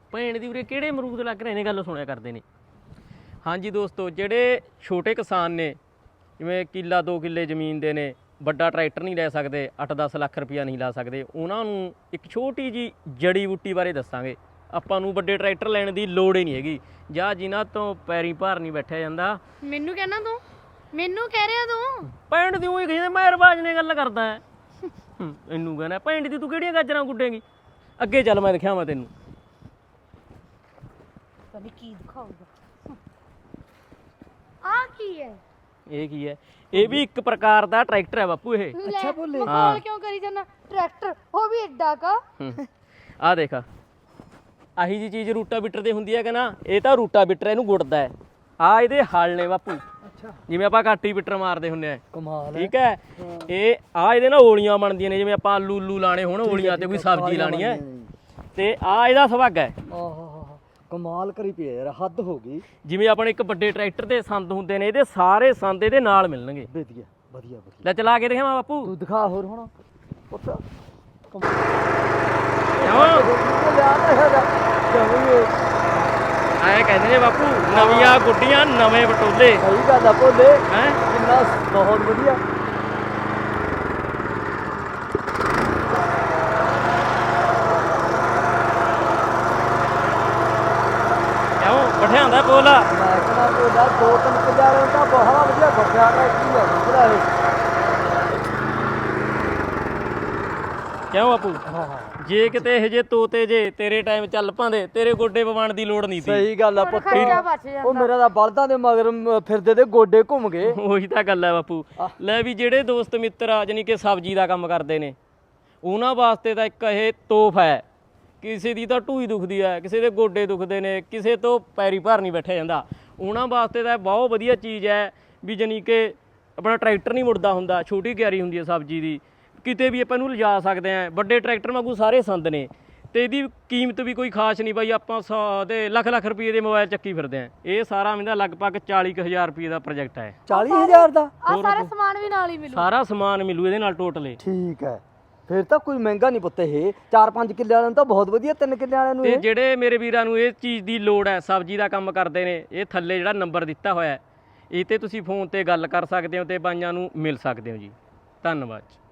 ਭੈਣ ਦੀ ਉਰੇ ਕਿਹੜੇ ਅਮਰੂਦ ਲੱਗ ਰਹੇ ਨੇ ਗੱਲ ਸੁਣਿਆ ਕਰਦੇ ਨੇ। ਹਾਂਜੀ ਦੋਸਤੋ, ਜਿਹੜੇ ਛੋਟੇ ਕਿਸਾਨ ਨੇ ਜਿਵੇਂ ਕਿੱਲਾ 2 ਕਿੱਲੇ ਜ਼ਮੀਨ ਦੇ ਨੇ, ਵੱਡਾ ਟਰੈਕਟਰ ਨਹੀਂ ਲੈ ਸਕਦੇ, 8-10 ਲੱਖ ਰੁਪਈਆ ਨਹੀਂ ਲਾ ਸਕਦੇ, ਉਹਨਾਂ ਨੂੰ ਇੱਕ ਛੋਟੀ ਜੀ ਜੜੀ ਬੂਟੀ ਬਾਰੇ ਦੱਸਾਂਗੇ। ਆਪਾਂ ਨੂੰ ਵੱਡੇ ਟਰੈਕਟਰ ਲੈਣ ਦੀ ਲੋੜ ਹੀ ਨਹੀਂ ਹੈਗੀ, ਜਾਂ ਜਿਨ੍ਹਾਂ ਤੋਂ ਪੈਰੀ ਭਾਰ ਨਹੀਂ ਬੈਠਿਆ ਜਾਂਦਾ। ਮੈਨੂੰ ਕਹਿਣਾ ਤੂੰ, ਮੈਨੂੰ ਕਹਿ ਰਿਹਾ ਤੂੰ ਭੈਣ ਦੀ ਉਹੀ ਕਹਿੰਦੇ ਮੈਂ ਰਵਾਜ ਨੇ ਗੱਲ ਕਰਦਾ ਹੈ। ਇਹਨੂੰ ਕਹਿੰਦਾ ਭੈਣ ਦੀ ਤੂੰ ਕਿਹੜੀਆਂ ਗਾਜਰਾਂ ਗੁੱਡੇਂਗੀ। ਅੱਗੇ ਚੱਲ ਮੈਂ ਦਿਖਾਵਾਂ ਤੈਨੂੰ। ਪਤਾ ਨਹੀਂ ਕੀ ਦਿਖਾਊਗਾ। ਆ ਕੀ ਹੈ? ਇਹ ਕੀ ਹੈ? ਇਹ ਵੀ ਇੱਕ ਪ੍ਰਕਾਰ ਦਾ ਟਰੈਕਟਰ ਹੈ ਬਾਪੂ ਇਹ। ਅੱਛਾ ਬੋਲੇ ਹਾਂ ਕਿਉਂ ਕਰੀ ਜਾਂਦਾ? ਟਰੈਕਟਰ ਉਹ ਵੀ ਐਡਾ ਕਾ। ਆਹ ਦੇਖ, ਆਹੀ ਜੀ ਚੀਜ਼ ਰੂਟਾਵੀਟਰ ਤੇ ਹੁੰਦੀ ਹੈ ਕਿ ਨਾ, ਇਹ ਤਾਂ ਰੂਟਾਵੀਟਰ ਇਹਨੂੰ ਗੁੱਡਦਾ ਹੈ। ਆ ਇਹਦੇ ਹਲ ਨੇ ਬਾਪੂ, ਜਿਵੇਂ ਆਪਾਂ ਕਾਟੀਵੀਟਰ ਮਾਰਦੇ ਹੁੰਦੇ ਆ। ਕਮਾਲ ਠੀਕ ਹੈ। ਇਹ ਆ ਇਹਦੇ ਨਾਲ ਓਲੀਆਂ ਬਣਦੀਆਂ ਨੇ, ਜਿਵੇਂ ਆਪਾਂ ਆਲੂ ਲਾਣੇ ਹੋਣ ਓਲੀਆਂ ਤੇ ਕੋਈ ਸਬਜ਼ੀ ਲਾਣੀ ਹੈ, ਤੇ ਆ ਇਹਦਾ ਸੁਭਾਗਾ ਹੈ। ਆਹ ਕਮਾਲ ਕਰੀ ਪਈ ਯਾਰ, ਹੱਦ ਹੋ ਗਈ। ਜਿਵੇਂ ਆਪਣੇ ਇੱਕ ਵੱਡੇ ਟਰੈਕਟਰ ਦੇ ਸੰਦ ਹੁੰਦੇ ਨੇ, ਇਹਦੇ ਸਾਰੇ ਸੰਦ ਇਹਦੇ ਨਾਲ ਮਿਲਣਗੇ। ਵਧੀਆ ਵਧੀਆ ਵਧੀਆ। ਲੈ ਚਲਾ ਕੇ ਦਿਖਾਵਾਂ ਬਾਪੂ। ਤੂੰ ਦਿਖਾ ਹੋਰ ਹੁਣ ਪੁੱਤ। ਐ ਕਹਿੰਦੇ ਨੇ ਬਾਪੂ, ਨਵੀਆਂ ਗੁੱਡੀਆਂ ਨਵੇਂ ਬਟੋਲੇ। ਸਹੀ ਗੱਲ ਆ ਭੋਲੇ, ਹੈ ਕਿੰਨਾ ਬਹੁਤ ਵਧੀਆ। ਕਿਉਂ ਬਠਿਆਂਦਾ ਪੋਲਾ? ਮੈਂ ਕਹਿੰਦਾ ਭੋਲਾ 2-3 ਕਿੱਲੇ ਤਾਂ ਬਹੁਤ ਵਧੀਆ ਬੱਚਾ ਦਾ ਕੀ ਹੈ ਜਿਹੜਾ ਇਹ। ਕਿਉਂ ਬਾਪੂ? ਹਾਂ ਜੇ ਕਿਤੇ ਇਹ ਜੇ ਤੋਤੇ ਜੇ ਤੇਰੇ ਟਾਈਮ ਚੱਲ ਪਾਂਦੇ, ਤੇਰੇ ਗੋਡੇ ਪਵਾਉਣ ਦੀ ਲੋੜ ਨਹੀਂ ਸੀ। ਸਹੀ ਗੱਲ ਆ ਪੁੱਤ। ਖਰਚਾ ਬਚ ਜਾਂਦਾ। ਉਹ ਮੇਰਾ ਤਾਂ ਬਲਦਾਂ ਦੇ ਮਗਰ ਫਿਰਦੇ ਤੇ ਗੋਡੇ ਘੁੰਮ ਗਏ। ਉਹੀ ਤਾਂ ਗੱਲ ਹੈ ਬਾਪੂ। ਲੈ ਵੀ ਜਿਹੜੇ ਦੋਸਤ ਮਿੱਤਰ ਆ ਜਾਨੀ ਕਿ ਸਬਜ਼ੀ ਦਾ ਕੰਮ ਕਰਦੇ ਨੇ, ਉਹਨਾਂ ਵਾਸਤੇ ਤਾਂ ਇੱਕ ਇਹ ਤੋਹਫਾ ਹੈ। ਕਿਸੇ ਦੀ ਤਾਂ ਢੂਈ ਦੁਖਦੀ ਹੈ, ਕਿਸੇ ਦੇ ਗੋਡੇ ਦੁਖਦੇ ਨੇ, ਕਿਸੇ ਤੋਂ ਪੈਰੀ ਭਾਰ ਨਹੀਂ ਬੈਠਿਆ ਜਾਂਦਾ, ਉਹਨਾਂ ਵਾਸਤੇ ਤਾਂ ਬਹੁਤ ਵਧੀਆ ਚੀਜ਼ ਹੈ। ਵੀ ਜਾਨੀ ਕਿ ਆਪਣਾ ਟਰੈਕਟਰ ਨਹੀਂ ਮੁੜਦਾ ਹੁੰਦਾ, ਛੋਟੀ ਕਿਆਰੀ ਹੁੰਦੀ ਹੈ ਸਬਜ਼ੀ ਦੀ, ਕਿਤੇ ਵੀ ਆਪਾਂ ਇਹਨੂੰ ਲਿਜਾ ਸਕਦੇ ਹਾਂ। ਵੱਡੇ ਟਰੈਕਟਰ ਵਾਂਗੂ ਸਾਰੇ ਸੰਦ ਨੇ, ਤੇ ਇਹਦੀ ਕੀਮਤ ਵੀ ਕੋਈ ਖਾਸ ਨਹੀਂ ਬਾਈ। ਆਪਾਂ 100 ਦੇ ਲੱਖ ਰੁਪਏ ਦੇ ਮੋਬਾਈਲ ਚੱਕੀ ਫਿਰਦੇ ਹਾਂ। ਇਹ ਸਾਰਾ ਇਹਦਾ ਲਗਭਗ 40,000 ਰੁਪਏ ਦਾ ਪ੍ਰੋਜੈਕਟ ਹੈ। 40,000 ਦਾ ਆ ਸਾਰਾ ਸਮਾਨ ਵੀ ਨਾਲ ਹੀ ਮਿਲੂ। ਸਾਰਾ ਸਮਾਨ ਮਿਲੂ ਇਹਦੇ ਨਾਲ ਟੋਟਲੇ। ਠੀਕ ਹੈ, ਫਿਰ ਤਾਂ ਕੋਈ ਮਹਿੰਗਾ ਨਹੀਂ ਪੁੱਤ। ਇਹ 4-5 ਕਿੱਲੇ ਵਾਲਿਆਂ ਨੂੰ ਤਾਂ ਬਹੁਤ ਵਧੀਆ, 3 ਕਿੱਲੇ ਵਾਲਿਆਂ ਨੂੰ ਤੇ ਇਹ। ਜਿਹੜੇ ਮੇਰੇ ਵੀਰਾਂ ਨੂੰ ਇਹ ਚੀਜ਼ ਦੀ ਲੋੜ ਹੈ, ਸਬਜ਼ੀ ਦਾ ਕੰਮ ਕਰਦੇ ਨੇ, ਇਹ ਥੱਲੇ ਜਿਹੜਾ ਨੰਬਰ ਦਿੱਤਾ ਹੋਇਆ ਹੈ, ਇਹ ਤੇ ਤੁਸੀਂ ਫੋਨ ਤੇ ਗੱਲ ਕਰ ਸਕਦੇ ਹੋ ਤੇ ਬਾਈਆਂ ਨੂੰ ਮਿਲ ਸਕਦੇ ਹੋ ਜੀ। ਧੰਨਵਾਦ।